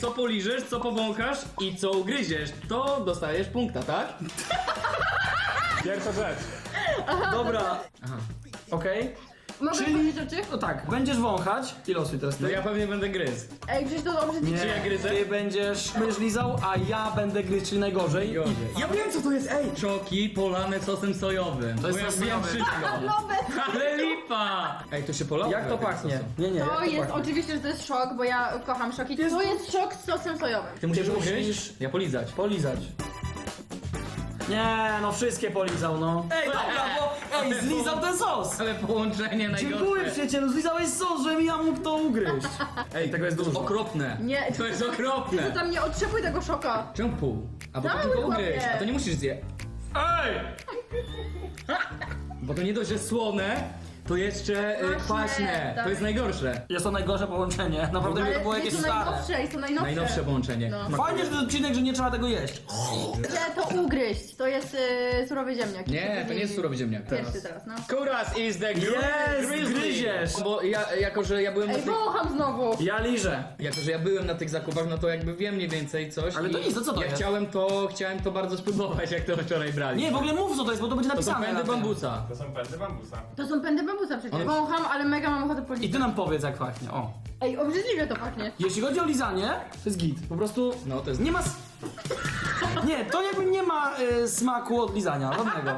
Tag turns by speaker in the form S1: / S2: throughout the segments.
S1: Co poliżesz, co powąchasz i co ugryziesz, to dostajesz punkta, tak?
S2: Pierwsza rzecz.
S3: Dobra.
S1: Aha.
S3: Okej.
S4: Mogę
S3: Czyli-
S4: powiedzieć rzeczy?
S3: No tak, będziesz wąchać. I losuj teraz ty.
S1: No ja pewnie będę gryzł.
S4: Ej, przecież to dobrze
S3: Nie,
S1: Czy ja gryzę?
S3: ty będziesz lizał, a ja będę gryźć, czyli najgorzej.
S1: Gorzej.
S3: Ja wiem co to jest, ej!
S1: Czoki polane sosem sojowym.
S3: To jest
S1: Bo ja
S3: sos
S1: wiem
S3: sojowy.
S1: wszystko.
S4: Nowe!
S1: Ale lipa! Ej, to się polało?
S3: Jak to pachnie? Nie, jak
S4: To jest
S3: pachnie?
S4: oczywiście, że to jest szok, bo ja kocham szoki.
S3: Jest-
S4: To jest szok z sosem sojowym.
S1: Ty musisz
S3: Ty
S1: ugryźć?
S3: musisz-
S1: Ja polizać.
S3: Polizać. Nie, no wszystkie polizał, no. Ej, dobra, bo zlizał ten sos.
S1: Ale połączenie najgorsze.
S3: Dziękuję przyjacielu, zlizałeś sos, żebym ja mógł to ugryźć. Ej, tego jest dużo.
S1: Okropne.
S4: Nie.
S1: To jest okropne.
S4: To tam nie otrzepuj tego szoka.
S1: Czemu pół? A bo to
S4: Cały
S1: tylko ugryźć,
S4: chłopie.
S1: a to nie musisz zjeść.
S3: Ej!
S1: Bo to nie dość, że słone, to jeszcze
S4: Kwaśne,
S1: kwaśne.
S4: tak.
S1: To jest najgorsze.
S3: Jest to najgorsze połączenie. Naprawdę mi to było
S4: Ale
S3: jakieś
S4: jest to
S3: stare.
S4: najnowsze, jest to najnowsze.
S1: Najnowsze połączenie.
S4: No.
S3: Fajnie, że to odcinek, że nie trzeba tego jeść.
S4: Chcę to ugryźć. To jest surowy ziemniak.
S1: Nie, to nie jest surowy ziemniak.
S4: Pierwszy teraz, no.
S1: Kuras is the
S3: Jest,
S1: grizzly.
S3: gryziesz.
S1: Bo ja, jako że ja byłem na
S4: Ej,
S1: tych,
S4: wącham znowu.
S3: Ja liżę.
S1: jako że ja byłem na tych zakupach, no to jakby wiem mniej więcej coś.
S3: Ale to
S1: i
S3: nic, to co to
S1: ja
S3: jest?
S1: chciałem to bardzo spróbować, jak to wczoraj brali.
S3: Nie, w ogóle mów co to jest, bo to będzie
S1: to są
S3: napisane.
S1: pędy
S3: na tym.
S1: bambusa.
S2: To są pędy bambusa.
S4: To są pędy bambusa przecież.
S1: One-
S4: Wącham, ale mega mam ochotę
S3: I
S4: policzyć.
S3: ty nam powiedz jak pachnie, o.
S4: Ej, obrzydliwie to pachnie.
S3: Jeśli chodzi o lizanie, to jest git. Po prostu
S1: No to jest...
S3: nie ma... Nie, to jakby nie ma smaku od lizania, żadnego.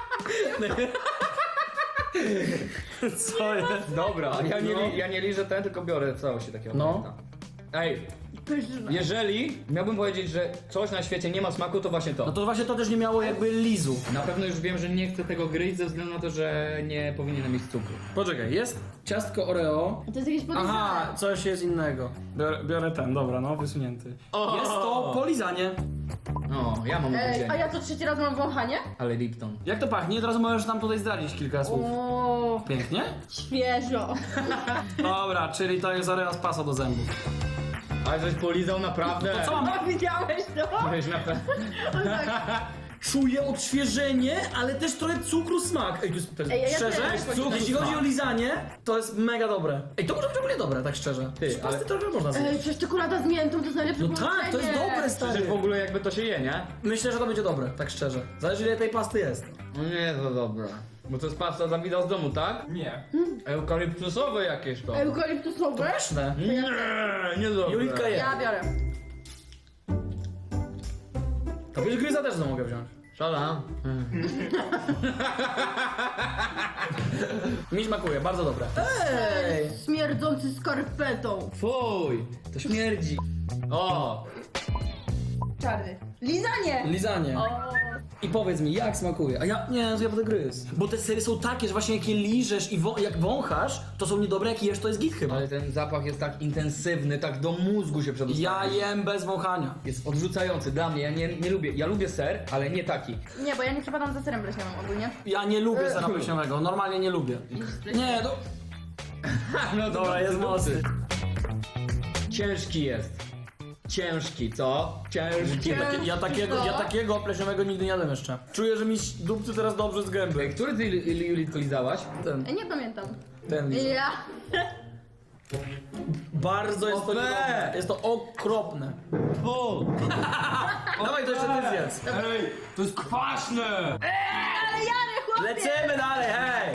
S3: Co jest?
S1: Dobra, ja nie,
S3: No.
S1: ja nie liżę ten, tylko biorę całości takiego.
S3: No.
S1: momenta. Ej,
S4: Pyszne.
S1: jeżeli miałbym powiedzieć, że coś na świecie nie ma smaku, to właśnie to.
S3: No to właśnie to też nie miało jakby lizu.
S1: Na pewno już wiem, że nie chcę tego gryźć ze względu na to, że nie powinienem mieć cukru.
S3: Poczekaj, jest ciastko Oreo.
S4: To jest jakieś podejrzane.
S3: Aha, coś jest innego. Biorę ten, dobra, no, wysunięty.
S1: O!
S3: Jest to polizanie.
S1: No, ja mam
S4: Ej, a
S1: ugryzienie.
S4: ja co trzeci raz mam wąchanie?
S1: Ale Lipton.
S3: Jak to pachnie? Teraz możesz nam tutaj zdradzić kilka słów.
S4: O,
S3: Pięknie?
S4: świeżo.
S3: Dobra, czyli to jest Oreo z pasa do zębów.
S1: Ale żeś polizał naprawdę.
S3: To co mam?
S4: A widziałeś to?
S1: Żeś naprawdę...
S4: On tak,
S3: Czuję odświeżenie, ale też trochę cukru smak. Ej, to jest
S4: Ej, ja
S3: szczerze,
S4: też
S3: cukru, jeśli chodzi o lizanie, to jest mega dobre. Ej, to może być w ogóle dobre, tak szczerze.
S1: Ty,
S3: Z pasty
S1: ale-
S3: trochę można zjeść.
S4: Ej, przecież czekolada z miętą to jest najlepsze
S3: No tak, to jest
S4: połączenie.
S3: dobre,
S1: Że
S3: stary.
S1: w ogóle jakby to się je, nie?
S3: Myślę, że to będzie dobre, tak szczerze. Zależy ile tej pasty jest.
S1: No nie, to dobre. Bo to jest pasta Dawida z domu, tak?
S2: Nie.
S1: Eukaliptusowe jakieś to.
S4: Eukaliptusowe?
S3: Pyszne.
S1: Nie dobre.
S3: Julitka je.
S4: Ja biorę.
S3: To wiesz, gryza też mogę wziąć.
S1: Szala.
S3: Mi smakuje, bardzo dobre. Ej!
S4: Śmierdzący skarpetą.
S1: Fuj, to śmierdzi. O,
S4: Czarny. Lizanie!
S3: Lizanie.
S4: O.
S3: I powiedz mi, jak smakuje? A ja, nie, to ja będę gryzł. Bo te sery są takie, że właśnie jak je liżesz i jak wąchasz, to są niedobre, jak jesz, to jest git chyba.
S1: ale ten zapach jest tak intensywny, tak do mózgu się przedostawia.
S3: Ja jem bez wąchania.
S1: Jest odrzucający dla mnie, ja nie lubię. Ja lubię ser, ale nie taki.
S4: Nie, bo ja nie przepadam za serem bleśniowym ogólnie.
S3: Ja nie lubię sera pleśniowego, normalnie nie lubię. Nie, to...
S1: No to
S3: Dobra, jest mocny.
S1: Ciężki jest. Ciężki, co? Ciężki.
S3: Ja takiego pleśniowego nigdy nie jadłem jeszcze. Czuję, że mi dupcy teraz dobrze z gęby.
S1: Który ty, Julitko, lizałaś?
S3: Ten,
S4: Ej, nie pamiętam.
S3: ten liza.
S4: Ja.
S3: Bardzo jest to
S1: Ofe!
S3: niedobre. Jest to okropne. Dawaj, to jeszcze ty zjedz.
S1: Ej, to jest kwaśne!
S4: Ale Jary, chłopie!
S3: Lecimy dalej, hej!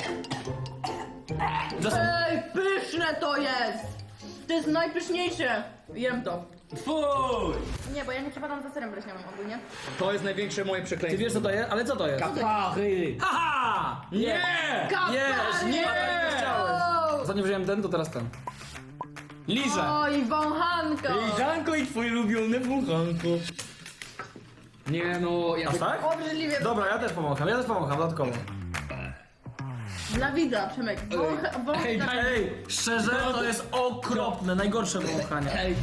S4: Ej, pyszne to jest! To jest najpyszniejsze. Jem to.
S1: Fuj!
S4: Nie, bo ja nie przepadam za serem bleśniowym ogólnie.
S1: To jest największe moje
S3: Ty
S1: przekleństwo.
S3: wiesz co to jest? Ale co to jest?
S1: Kapachy!
S3: Haha!
S1: Nie!
S3: Jest, nie!
S4: O!
S3: Zanim wziąłem ten, to teraz ten. Liże!
S4: Oj, wąchanko!
S1: Liżanko i twój ulubiony wulchanko. Nie no, ja
S3: Aż tak?
S4: Obrzydliwie.
S3: Dobra, ja też pomogę dodatkowo.
S4: Dla widza, Przemek.
S1: Ej, daj-
S3: Ej, szczerze, to jest okropne, najgorsze wąchanie.
S1: Ej.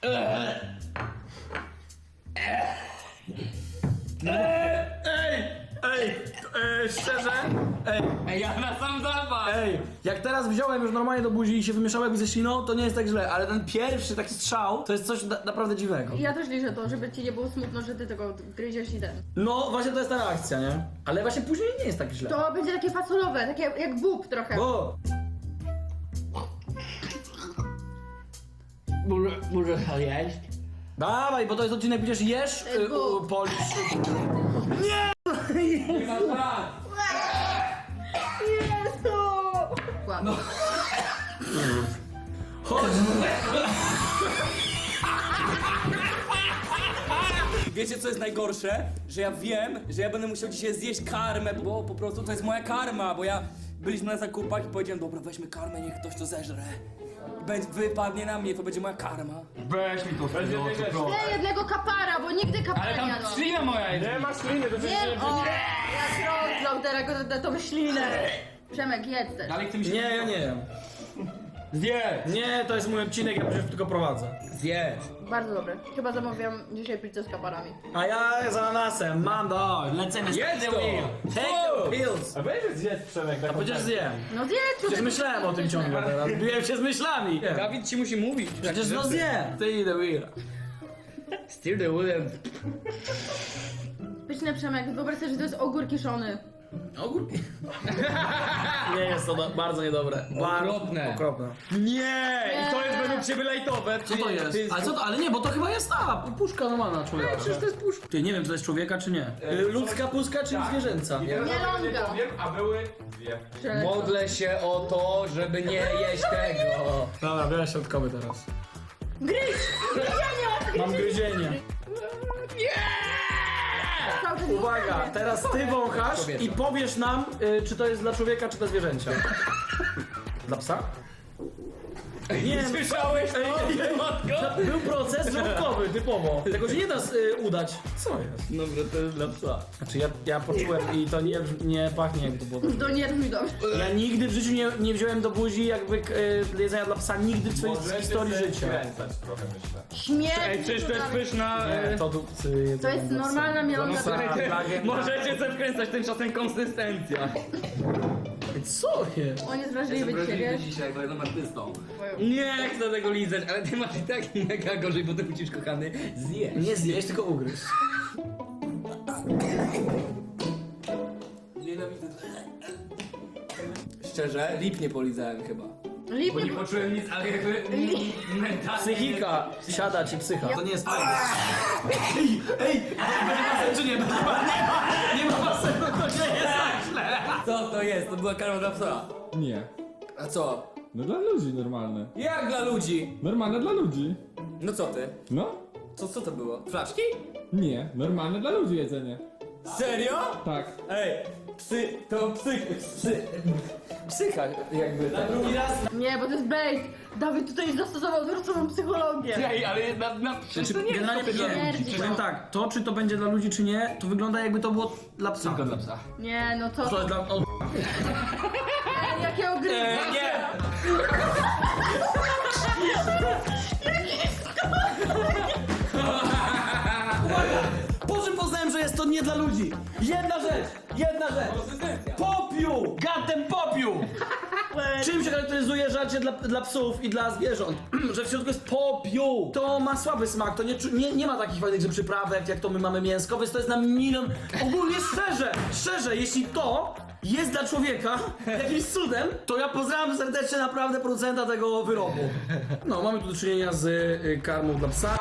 S3: Szczerze?
S1: Ej, ja na sam zapach!
S3: Ej, jak teraz wziąłem już normalnie do buzi i się wymieszało jakby ze śliną, to nie jest tak źle, ale ten pierwszy taki strzał, to jest coś naprawdę dziwnego.
S4: Ja też liczę to, żeby ci nie było smutno, że ty tego gryziesz i ten.
S3: No, właśnie to jest ta reakcja, nie? Ale właśnie później nie jest tak źle.
S4: To będzie takie fasolowe, takie jak bób trochę.
S3: O!
S1: Może to jeść?
S3: Dawaj, bo to jest odcinek, przecież jesz, polisz.
S4: Jezu! Ładnie.
S3: Chodź.
S5: Wiecie co jest najgorsze? Że ja wiem, że ja będę musiał dzisiaj zjeść karmę, bo po prostu to jest moja karma, bo byliśmy na zakupach i powiedziałem, dobra, weźmy karmę, niech ktoś to zeżre. Wypadnie na mnie, to będzie moja karma.
S1: Weź mi to
S2: Będzie
S1: wtedy,
S2: wiedzieć.
S4: Nie jednego kapara, bo nigdy kapara
S1: Ale
S4: nie
S1: tam
S4: jadłam.
S1: ślina moja jest.
S2: Nie ma śliny, to
S4: Nie, o, jak rozlał teraz tą ślinę. Przemek, jedz też.
S1: Dalej chce mi się...
S3: Nie, ja nie jem.
S1: Zjedz!
S3: Nie, to jest mój odcinek, ja przecież tylko prowadzę.
S1: Zjedz!
S4: Bardzo dobre. Chyba zamawiam dzisiaj pizzę z kaparami.
S3: A ja z ananasem, mam lecimy z
S1: Jedz
S3: the
S1: to!
S3: wheel. Take the pills.
S2: A weź zjedz Przemek.
S3: A przecież zjem.
S4: No zjedz
S3: Przecież
S4: tutaj.
S3: myślałem o tym ciągle teraz, biłem się z myślami.
S1: Dawid ci musi mówić.
S3: Przecież no zjem. Ty the wheel.
S1: Steer the wheel.
S4: Pyszne, Przemek, wyobraź sobie, że to jest ogór kiszony.
S3: Ogórki. Nie jest to bardzo niedobre.
S1: Okropne.
S3: Okropne.
S1: Nie! I to jest według ciebie lajtowe.
S3: Co to jest? Ale, co to? Ale nie, bo to chyba jest ta puszka normalna człowieka.
S1: Przecież to jest puszka.
S3: Ty, nie wiem, czy to jest człowieka, czy nie. Ludzka puszka, czy zwierzęca?
S2: I teraz
S4: Mielonka.
S2: nie powiem, a były dwie.
S4: Przelecą.
S1: Modlę się o to, żeby nie jeść tego.
S3: Dobra, biorę środkowy teraz.
S4: Gryź!
S3: Mam gryzienie.
S4: Cały czas
S3: Uwaga, teraz ty wąchasz i powiesz nam, czy to jest dla człowieka, czy dla zwierzęcia. Dla psa? Nie,
S1: Słyszałeś to?
S3: był proces żołądkowy, typowo. Tego się nie da udać. Co jest?
S1: Dobra, to jest dla psa.
S3: Znaczy ja poczułem i to nie pachnie jak to było.
S4: To nie brzmi dobrze.
S3: Ja nigdy w życiu nie wziąłem do buzi jakby jedzenia dla psa, nigdy w swojej historii życia.
S2: Skręcać trochę, myślę.
S4: Śmierć.
S1: Ej, przecież to jest pyszna...
S3: To dupcy jedzenia
S4: To jest
S3: dla psa.
S4: normalna mielonka.
S3: Słuchajcie,
S1: Możecie sobie wkręcać, tymczasem konsystencja.
S3: Co jest?
S4: On jest wrażliwy dzisiaj, wiesz?
S5: dzisiaj, bo jestem artystą.
S1: Nie chcę tego lizać, ale ty masz i tak mega gorzej, bo ty musisz, kochany, zjeść.
S3: Nie zjeść, tylko ugryźć.
S5: Nienawidzę. Szczerze, lip nie polizałem chyba.
S4: Lip
S1: Bo
S4: nie
S1: nie poczułem nic, ale jakby mentalnie...
S3: Psychika siada ci psycha. To nie jest fajne. Ej, ma basen czy nie? Nie ma basenu, to nie jest tak źle.
S5: Co to jest? To była karma dla psa.
S6: Nie.
S5: A co?
S6: No dla ludzi normalne.
S5: Jak dla ludzi?
S6: Normalne dla ludzi.
S5: No co ty?
S6: No?
S5: Co to było? Flaszki?
S6: Nie. Normalne dla ludzi jedzenie.
S5: Serio?
S6: Tak.
S5: Ej, psycha jakby. Tak.
S3: Drugi raz.
S4: Nie, bo to jest bait. Dawid tutaj zastosował zwróconą psychologię.
S1: Ej, ale przecież to nie jest
S3: Generalnie
S1: dla
S4: śmierdzi.
S1: ludzi.
S3: powiem tak, to czy to będzie dla ludzi czy nie, to wygląda jakby to było dla psa.
S1: Tylko dla psa.
S4: Nie, no to...
S3: To jest dla... O,
S4: Jakie ogryzki.
S3: nie! Po czym poznałem, że jest to nie dla ludzi? Jedna rzecz! Popiół! Gatem popiół! Czym się charakteryzuje żarcie dla psów i dla zwierząt? Że w środku jest popiół! To ma słaby smak, to nie ma takich fajnych przyprawek, jak to my mamy mięsko, więc to jest na milion... Ogólnie szczerze, jeśli to jest dla człowieka jakimś cudem, to ja pozdrawiam serdecznie naprawdę producenta tego wyrobu. No, mamy tu do czynienia z karmą dla psa.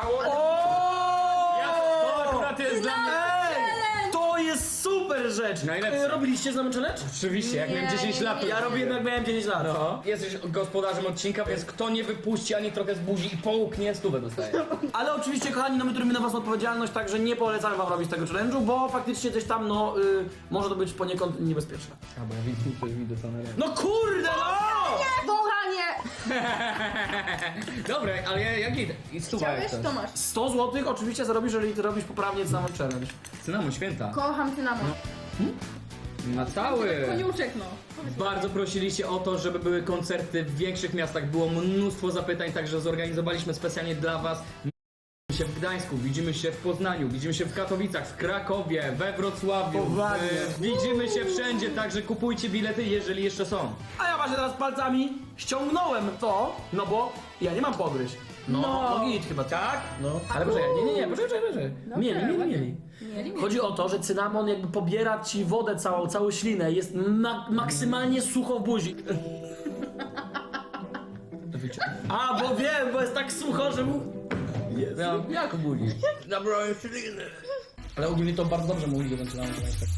S1: To akurat jest dla mnie...
S3: Ej, to jest super rzecz!
S1: Najlepsze.
S3: Robiliście z nami challenge?
S1: Oczywiście, jak miałem 10 lat, to
S3: Ja robiłem jak miałem 10 lat.
S1: No. Jesteś gospodarzem odcinka, więc kto nie wypuści ani trochę z buzi i połknie, stówę dostaje.
S3: Ale oczywiście, kochani, no my turmy na was odpowiedzialność, także nie polecamy wam robić tego challenge'u, bo faktycznie gdzieś tam, no, może to być poniekąd niebezpieczne.
S1: A bo ja widzę, ktoś mi dostanę rękę.
S3: No kurde, no!
S4: Wąchanie!
S1: Dobra, ale jak idę? I stuwa
S4: Chciałeś?
S1: jest
S4: To masz.
S3: 100 zł oczywiście zarobisz, jeżeli ty robisz poprawnie cynamon challenge.
S1: Cynamon, święta.
S4: Kocham cynamon.
S1: Na cały.
S4: Koniuszek, no.
S1: Bardzo prosiliście o to, żeby były koncerty w większych miastach. Było mnóstwo zapytań, także zorganizowaliśmy specjalnie dla was. Widzimy się w Gdańsku, widzimy się w Poznaniu, widzimy się w Katowicach, w Krakowie, we Wrocławiu.
S3: Poważnie.
S1: Widzimy się wszędzie, także kupujcie bilety, jeżeli jeszcze są.
S3: A ja właśnie teraz palcami ściągnąłem to, no bo ja nie mam pogryźć. No git chyba, tak? No. Ale poczekaj, nie, poczekaj. Mieli. Chodzi o to, że cynamon jakby pobiera ci wodę całą ślinę, jest maksymalnie sucho w buzi. A, bo wiem, bo jest tak sucho, że mu... Jak ogólnie?
S1: Zabrałem śliny.
S3: Ale ogólnie to bardzo dobrze mówi, że zaczynamy się tak.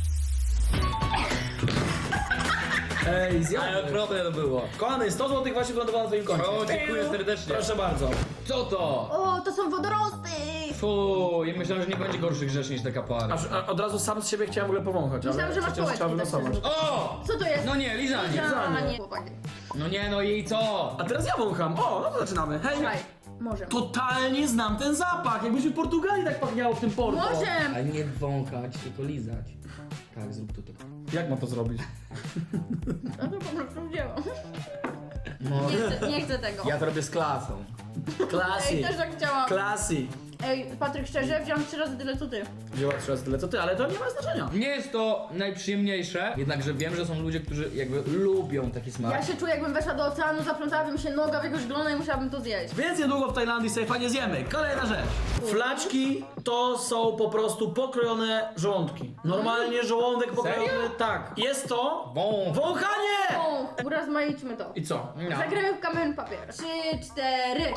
S3: Ej,
S1: Ale
S3: zjadłem.
S1: okropne to było.
S3: Kochany, 100 zł właśnie wylądowało na twoim koncie.
S1: O, dziękuję serdecznie.
S3: Proszę bardzo.
S1: Co to?
S4: O, to są wodorosty!
S1: Fuuu, ja myślałem, że nie będzie gorszych rzeczy niż te kapary.
S3: A od razu sam z siebie chciałem w ogóle powąchać, ale
S4: Myślałam, że masz
S3: przecież
S4: kołeczki.
S3: trzeba
S4: tak
S3: wylosować.
S4: szczerze.
S1: O!
S4: Co to jest?
S1: No nie, lizanie.
S4: Lizanie. Chłopaki.
S1: No nie, no i co?
S3: A teraz ja wącham. O, no to zaczynamy. Hej,
S4: Słuchaj, może.
S3: totalnie znam ten zapach. Jakbyśmy w Portugalii tak pachniało w tym porto.
S4: Może!
S1: Ale nie wąchać, tylko lizać. Tak, zrób to tak.
S3: Jak mam to zrobić?
S4: No to po prostu wzięłam.
S1: No.
S4: Nie chcę tego.
S1: Ja to robię z klasą.
S4: Ej,
S3: Klasy.
S4: też tak chciałam.
S3: Klasy.
S4: Ej, Patryk, szczerze, wziąłem 3 razy tyle co ty.
S3: Wzięła 3 razy tyle co ty, ale to nie ma znaczenia.
S1: Nie jest to najprzyjemniejsze, jednakże wiem, że są ludzie, którzy jakby lubią taki smak.
S4: Ja się czuję, jakbym weszła do oceanu, zaplątała mi się noga w jego szglona i musiałabym to zjeść.
S3: Więc niedługo w Tajlandii sobie fajnie zjemy. Kolejna rzecz. Flaczki to są po prostu pokrojone żołądki. Normalnie żołądek pokrojony.
S1: Serio?
S3: Tak. Jest to
S1: Wąch.
S3: wąchanie!
S4: O, urozmaićmy to.
S3: I co?
S1: No.
S4: Zagramy w kamień papier. 3, 4.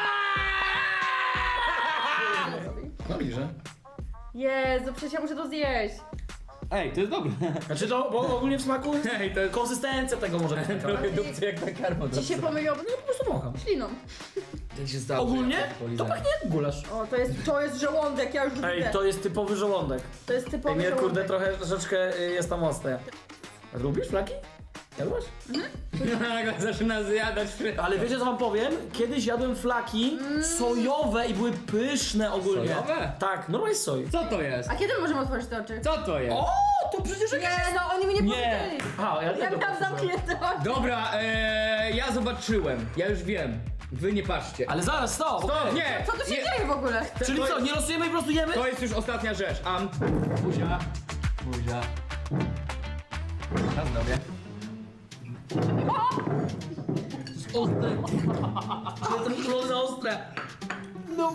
S1: No liże.
S4: Jezu, przecież ja muszę to zjeść.
S1: Ej, to jest dobre.
S3: Znaczy to, bo ogólnie w smaku
S1: Ej, to jest
S3: konsystencja tego może być taka.
S1: trochę dupcy jak na karmo.
S4: Ci się pomyliło
S3: No po prostu wącham.
S4: śliną.
S1: To się stało.
S3: Ogólnie
S1: Po
S3: to
S1: lizaniu.
S3: pachnie jak gulasz.
S4: O, to jest żołądek, ja już widzę.
S3: Ej, to jest typowy żołądek.
S4: To jest
S3: Ej,
S4: typowy
S3: mnie
S4: żołądek.
S3: kurde troszeczkę jest tam ostre. A lubisz flaki? Jadłaś?
S1: Nagle zaczyna zjadać wszystko.
S3: Ale wiecie co wam powiem? Kiedyś jadłem flaki sojowe i były pyszne ogólnie.
S1: Sojowe?
S3: Tak, normalnie z soi.
S1: Co to jest?
S4: A kiedy możemy otworzyć te oczy?
S1: Co to jest?
S3: O, to przecież jakieś...
S4: Nie, no oni mi nie
S3: Nie.
S4: powiedzieli.
S3: Aha, ja
S4: Ja miałam zamknięte oczy.
S1: Dobra, ja zobaczyłem. Ja już wiem. Wy nie patrzcie.
S3: Ale zaraz, stop!
S1: To nie!
S4: Co tu się
S1: nie.
S4: dzieje w ogóle?
S3: Czyli co, nie losujemy i po prostu jemy?
S1: To jest już ostatnia rzecz. Buzia. Buzia. Na zdrowie.
S3: Ostre. Jestem uczulony na ostre. No.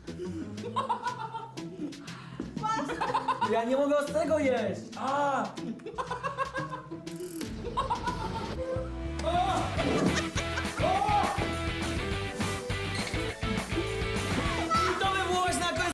S3: Ja nie mogę ostrego jeść. A,